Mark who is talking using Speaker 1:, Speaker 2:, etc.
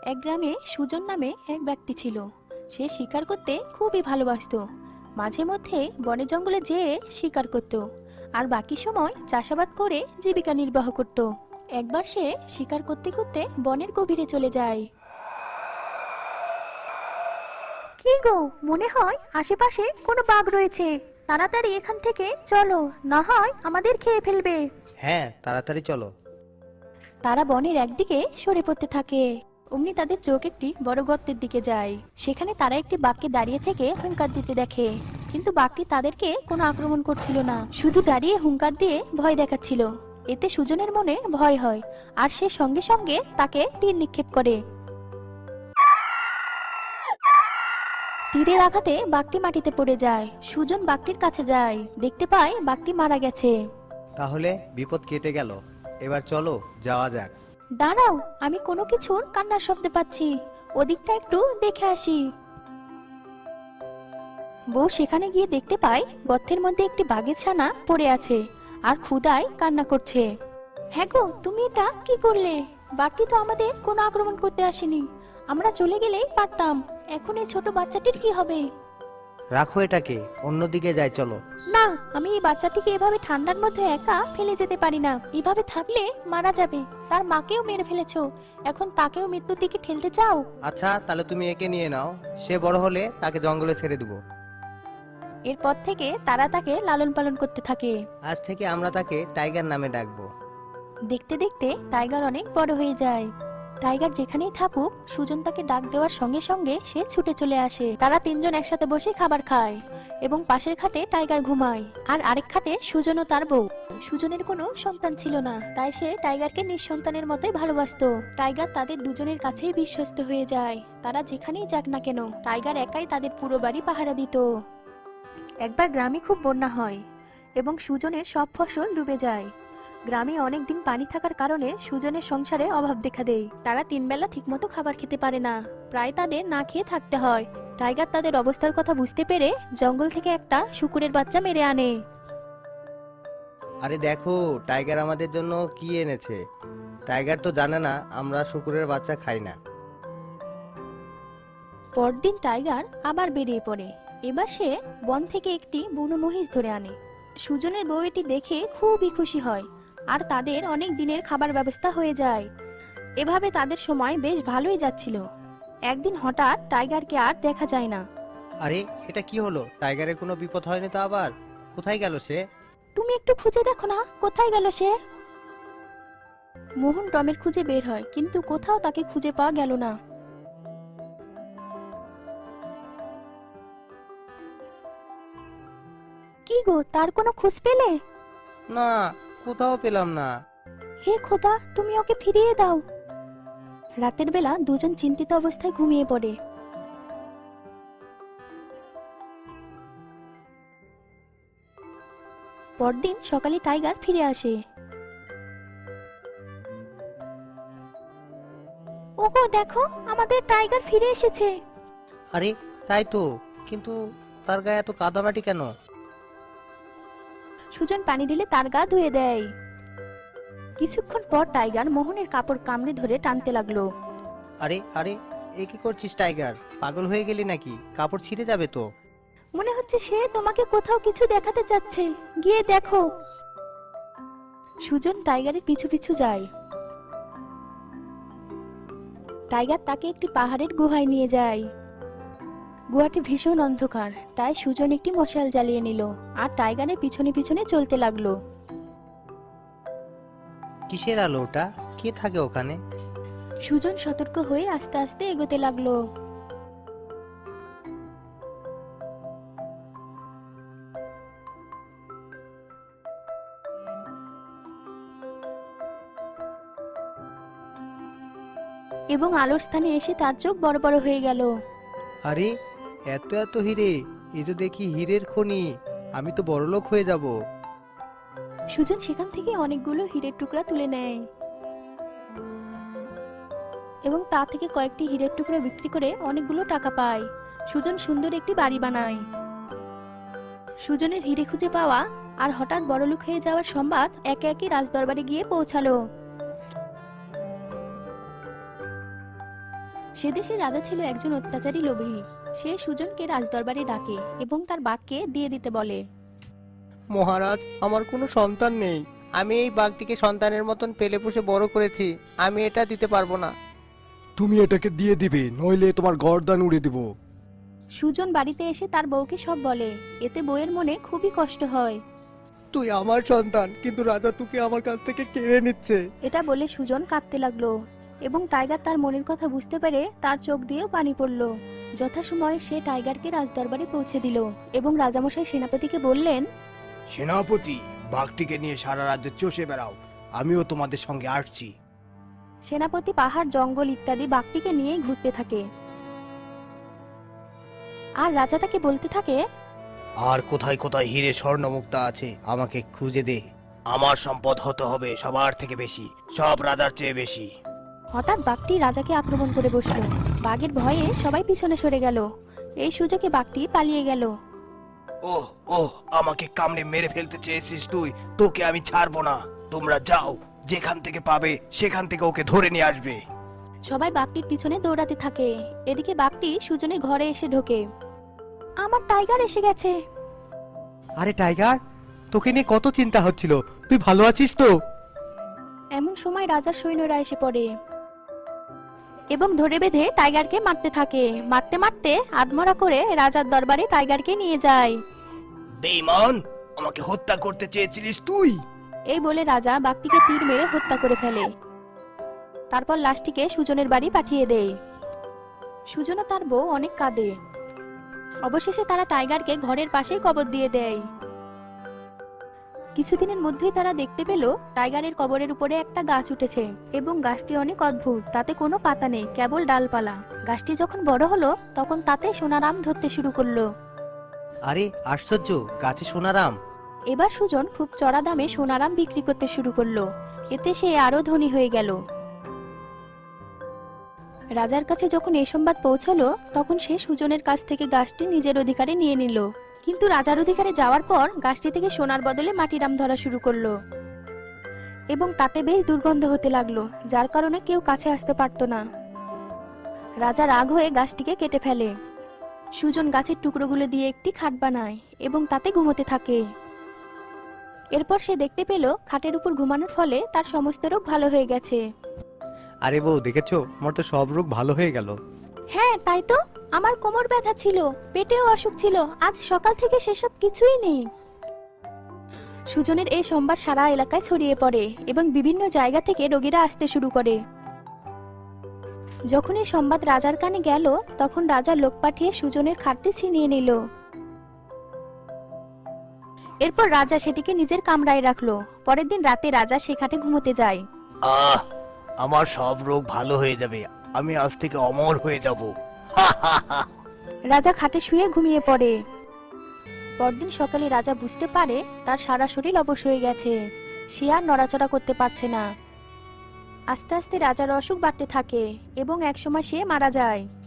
Speaker 1: এক গ্রামে সুজন নামে এক ব্যক্তি ছিল। সে শিকার করতে খুবই ভালোবাসতো। মাঝে মধ্যে বনে জঙ্গলে যেয়ে শিকার করত, আর বাকি সময় চাষাবাদ করে জীবিকা নির্বাহ করত। একবার সে শিকার করতে করতে বনের গভীরে চলে যায়। কি গো, মনে হয় আশেপাশে কোনো বাঘ রয়েছে। তাড়াতাড়ি এখান থেকে চলো, না হয় আমাদের খেয়ে ফেলবে।
Speaker 2: হ্যাঁ, তাড়াতাড়ি চলো।
Speaker 1: তারা বনের একদিকে সরে পড়তে থাকে। অমনি তাদের চোখ একটি বড় গর্তের দিকে যায়। সেখানে তারা একটি বাঘকে দাঁড়িয়ে থেকে হুঙ্কার দিতে দেখে, কিন্তু বাঘটি তাদেরকে কোনো আক্রমণ করছিল না, শুধু দাঁড়িয়ে হুঙ্কার দিয়ে ভয় দেখাচ্ছিল। এতে সুজনের মনে ভয় হয়, আর সে সঙ্গে সঙ্গে তাকে তীর নিক্ষেপ করে। তীরের আঘাতে বাঘটি মাটিতে পড়ে যায়। সুজন বাঘটির কাছে যায়, দেখতে পায় বাঘটি মারা গেছে।
Speaker 2: তাহলে বিপদ কেটে গেল, এবার চলো যাওয়া যাক।
Speaker 1: দাঁড়াও, আমি কোনো কিছুর কান্নার শব্দ পাচ্ছি, ওদিকটা একটু দেখে আসি। বউ সেখানে গিয়ে দেখতে পায় গর্তের মধ্যে একটি বাঘের ছানা পড়ে আছে আর ক্ষুধায় কান্না করছে। হ্যাঁ গো, তুমি এটা কি করলে? বাঘটি তো আমাদের কোনো আক্রমণ করতে আসেনি, আমরা চলে গেলেই পারতাম। এখন এই ছোট বাচ্চাটির কি হবে?
Speaker 2: রাখো এটাকে, অন্যদিকে যাই চলো।
Speaker 1: না, আমি এই বাচ্চাটিকে এভাবে ঠান্ডার মধ্যে একা ফেলে যেতে পারি না। এভাবে থাকলে মারা যাবে। তার মাকেও মেরে ফেলেছো, এখন তাকেও মৃত্যুর দিকে ঠেলতে চাও?
Speaker 2: আচ্ছা, তাহলে তুমি একে নিয়ে নাও, সে বড় হলে তাকে জঙ্গলে ছেড়ে দেবো।
Speaker 1: এরপর থেকে তারা তাকে লালন পালন করতে থাকে।
Speaker 2: আজ থেকে আমরা তাকে টাইগার নামে ডাকবো।
Speaker 1: দেখতে দেখতে টাইগার অনেক বড় হয়ে যায়। টাইগার যেখানেই থাকুক, সুজন তাকে ডাক দেওয়ার সঙ্গে সঙ্গে সে ছুটে চলে আসে। তারা তিনজন একসাথে বসে খাবার খায় এবং পাশের খাটে টাইগার ঘুমায়, আর আরেক খাটে সুজন ও তার বউ। সুজনের কোনো সন্তান ছিল না, তাই সে টাইগারকে নিঃসন্তানের মতোই ভালোবাসতো। টাইগার তাদের দুজনের কাছেই বিশ্বস্ত হয়ে যায়। তারা যেখানেই যাক না কেন, টাইগার একাই তাদের পুরো বাড়ি পাহারা দিত। একবার গ্রামে খুব বন্যা হয় এবং সুজনের সব ফসল ডুবে যায়। গ্রামে অনেক দিন পানি থাকার কারণে সুজনের সংসারে অভাব দেখা দেয়। তারা তিন বেলা ঠিকমতো খাবার খেতে পারে না, প্রায় তাদের না খেয়ে থাকতে হয়। টাইগার তাদের অবস্থার কথা বুঝতে পেরে জঙ্গল থেকে একটা শুকুরের বাচ্চা মেরে আনে।
Speaker 2: আরে দেখো, টাইগার আমাদের জন্য কি এনেছে। টাইগার তো জানে না আমরা শুকুরের বাচ্চা খাই না।
Speaker 1: পরদিন টাইগার আবার বেরিয়ে পড়ে। এবার সে বন থেকে একটি বুনো মহিষ ধরে আনে। সুজনের বউ এটি দেখে খুবই খুশি হয়, আর তাদের অনেক দিনের খাবার ব্যবস্থা হয়ে যায়। এভাবে তাদের সময় বেশ ভালোই যাচ্ছিল। একদিন হঠাৎ টাইগারকে আর দেখা যায় না।
Speaker 2: আরে, এটা কি হলো? টাইগারের কোনো বিপদ হয়নি তো আবার? কোথায় গেল সে?
Speaker 1: তুমি একটু খুঁজে দেখো না, কোথায় গেল সে? মোহন টমের খুঁজে বের হয়, কিন্তু কোথাও তাকে খুঁজে পাওয়া গেল না। কি গো, তার কোনো খোঁজ পেলে?
Speaker 2: না, কোথাও পেলাম না।
Speaker 1: হে খোদা, তুমি ওকে ফিরিয়ে দাও। রাতের বেলা দুজন চিন্তিত অবস্থায় ঘুমিয়ে পড়ে। পরদিন সকালে টাইগার ফিরে আসে। ওগো দেখো, আমাদের টাইগার ফিরে এসেছে।
Speaker 2: আরে, তাই তো, কিন্তু তার গায়ে এত কাদামাটি কেন?
Speaker 1: সুজন পানি ঢেলে তার গা ধুয়ে দেয়। কিছুক্ষণ পর টাইগার মোহনের কাপড় কামড়ে ধরে টানতে লাগলো।
Speaker 2: আরে আরে, এ কি করছিস টাইগার? পাগল হয়ে গেলি নাকি? কাপড় ছিঁড়ে যাবে তো।
Speaker 1: মনে হচ্ছে সে তোমাকে কোথাও কিছু দেখাতে চাচ্ছে, গিয়ে দেখো। সুজন টাইগারের পিছু পিছু যায়। টাইগার তাকে একটি পাহাড়ের গুহায় নিয়ে যায়। গুহাটি ভীষণ অন্ধকার, তাই সুজন একটি মশাল জ্বালিয়ে নিল আর টাইগারের পিছনে পিছনে চলতে লাগলো।
Speaker 2: কিসের আলো ওটা? কে থাকে ওখানে?
Speaker 1: সুজন সতর্ক হয়ে আস্তে আস্তে এগোতে লাগলো। এবং আলোর স্থানে এসে তার চোখ বড় বড় হয়ে গেল।
Speaker 2: আরে, এত এত হিরে! এ তো দেখি হীরের খনি। আমি তো বড়লোক হয়ে যাব।
Speaker 1: সুজন সেখান থেকে অনেকগুলো হীরের টুকরা তুলে নেয় এবং তা থেকে কয়েকটি হীরের টুকরা বিক্রি করে অনেকগুলো টাকা পায়। সুজন সুন্দর একটি বাড়ি বানায়। সুজনের হিরে খুঁজে পাওয়া আর হঠাৎ বড়লোক হয়ে যাওয়ার সংবাদ একে একে রাজদরবারে গিয়ে পৌঁছালো। সে দেশে রাজা ছিল একজন অত্যাচারী লোভী। সে সুজনকে রাজদরবারে ডাকে এবং তার বাঘকে দিয়ে দিতে বলে।
Speaker 2: মহারাজ, আমার কোনো সন্তান নেই। আমি এই বাঘটিকে সন্তানের মতন পেলে পুষে বড় করেছি। আমি এটা দিতে পারবো না।
Speaker 3: তুমি এটাকে দিয়ে দিবে, নইলে তোমার গর্দান উড়িয়ে দিব।
Speaker 1: সুজন বাড়িতে এসে তার বউকে সব বলে। এতে বউয়ের মনে খুবই কষ্ট হয়।
Speaker 2: তুই আমার সন্তান, কিন্তু রাজা তোকে আমার কাছ থেকে কেড়ে নিচ্ছে।
Speaker 1: এটা বলে সুজন কাঁদতে লাগলো এবং টাইগার তার মনের কথা বুঝতে পেরে তার চোখ দিয়েও পানি পড়লো। যথাসময়ে সে টাইগারকে রাজদরবারে পৌঁছে দিল এবং রাজামশাই সেনাপতিকে বললেন,
Speaker 3: সেনাপতি, বাঘটিকে নিয়ে সারা রাজ্যে চষে বেড়াও, আমিও তোমাদের সঙ্গে আসছি।
Speaker 1: সেনাপতি পাহাড়, জঙ্গল ইত্যাদি বাঘটিকে নিয়েই ঘুরতে থাকে। আর রাজা তাকে বলতে থাকে,
Speaker 2: আর কোথায় কোথায় হিরে স্বর্ণ মুক্তা আছে আমাকে খুঁজে দে। আমার সম্পদ হতে হবে সবার থেকে বেশি, সব রাজার চেয়ে বেশি।
Speaker 1: হঠাৎ বাঘটি রাজাকে আক্রমণ করে বসলো। বাঘের ভয়ে সবাই পিছনে সরে গেল। এই সুযোগে বাঘটি পালিয়ে গেল।
Speaker 3: ওহ ওহ, আমাকে কামড়ে মেরে ফেলতে চেয়েছিস তুই, তোকে আমি ছাড়বো না। তোমরা যাও, যেখান থেকে পাবে সেখান থেকে ওকে ধরে নিয়ে আসবে।
Speaker 1: সবাই বাঘটির পিছনে দৌড়াতে থাকে। এদিকে বাঘটি সুজনের ঘরে এসে ঢোকে। আমার টাইগার এসে গেছে।
Speaker 2: আরে টাইগার, তোকে নিয়ে কত চিন্তা হচ্ছিল, তুই ভালো আছিস তো?
Speaker 1: এমন সময় রাজার সৈন্যরা এসে পড়ে এবং ধরে বেঁধে টাইগারকে মারতে থাকে। মারতে মারতে আধমরা করে রাজার দরবারে টাইগারকে নিয়ে যায়।
Speaker 3: বেঈমান, আমাকে হত্যা করতে চেয়েছিলিস তুই?
Speaker 1: এই বলে রাজা বাঘটিকে তীর মেরে হত্যা করে ফেলে। তারপর লাশটিকে সুজনের বাড়ি পাঠিয়ে দেয়। সুজন ও তার বউ অনেক কাঁদে। অবশেষে তারা টাইগারকে ঘরের পাশেই কবর দিয়ে দেয়। কিছুদিনের মধ্যেই তারা দেখতে পেল টাইগারের কবরের উপরে একটা গাছ উঠেছে এবং গাছটি অনেক অদ্ভুত। তাতে কোনো পাতা নেই, কেবল ডালপালা। গাছটি যখন বড় হলো তখন তাতে সোনারাম ধরতে শুরু করলো।
Speaker 2: আরে আশ্চর্য, গাছে সোনারাম।
Speaker 1: এবার সুজন খুব চড়া দামে সোনারাম বিক্রি করতে শুরু করলো। এতে সে আরো ধনী হয়ে গেল। রাজার কাছে যখন এই সংবাদ পৌঁছালো তখন সে সুজনের কাছ থেকে গাছটি নিজের অধিকারে নিয়ে নিল। কিন্তু রাজার অধিকারে যাওয়ার পর গাছটি থেকে সোনার বদলে মাটিরাম ধরা শুরু করলো এবং তাতে বেশ দুর্গন্ধ হতে লাগলো, যার কারণে কেউ কাছে আসতে পারতো না। রাজা রাগ হয়ে গাছটিকে কেটে ফেলে। সুজন গাছের টুকরোগুলো দিয়ে একটি খাট বানায় এবং তাতে ঘুমোতে থাকে। এরপর সে দেখতে পেল খাটের উপর ঘুমানোর ফলে তার সমস্ত রোগ ভালো হয়ে গেছে।
Speaker 2: আরে বউ, দেখেছো, আমার তো সব রোগ ভালো হয়ে গেল।
Speaker 1: হ্যাঁ তাই তো, আমার কোমর ব্যথা ছিল, পেটেও অসুখ ছিল, আজ সকাল থেকে সেসব কিছুই নেই। সুজনের এই সংবাদ সারা এলাকায় ছড়িয়ে পড়ে এবং বিভিন্ন জায়গা থেকে রোগীরা আসতে শুরু করে। যখন এই সংবাদ রাজার কানে গেল তখন রাজা লোক পাঠিয়ে সুজনের খাটটি ছিনিয়ে নিল। এরপর রাজা সেটিকে নিজের কামরায় রাখলো। পরের দিন রাতে রাজা সে খাটে ঘুমোতে যায়।
Speaker 3: আহ, আমার সব রোগ ভালো হয়ে যাবে, আমি আজ থেকে অমর হয়ে যাব।
Speaker 1: রাজা খাটে শুয়ে ঘুমিয়ে পড়ে। পরদিন সকালে রাজা বুঝতে পারে তার সারা শরীর অবশ হয়ে গেছে। সে আর নড়াচড়া করতে পারছে না। আস্তে আস্তে রাজার অসুখ বাড়তে থাকে এবং একসময় সে মারা যায়।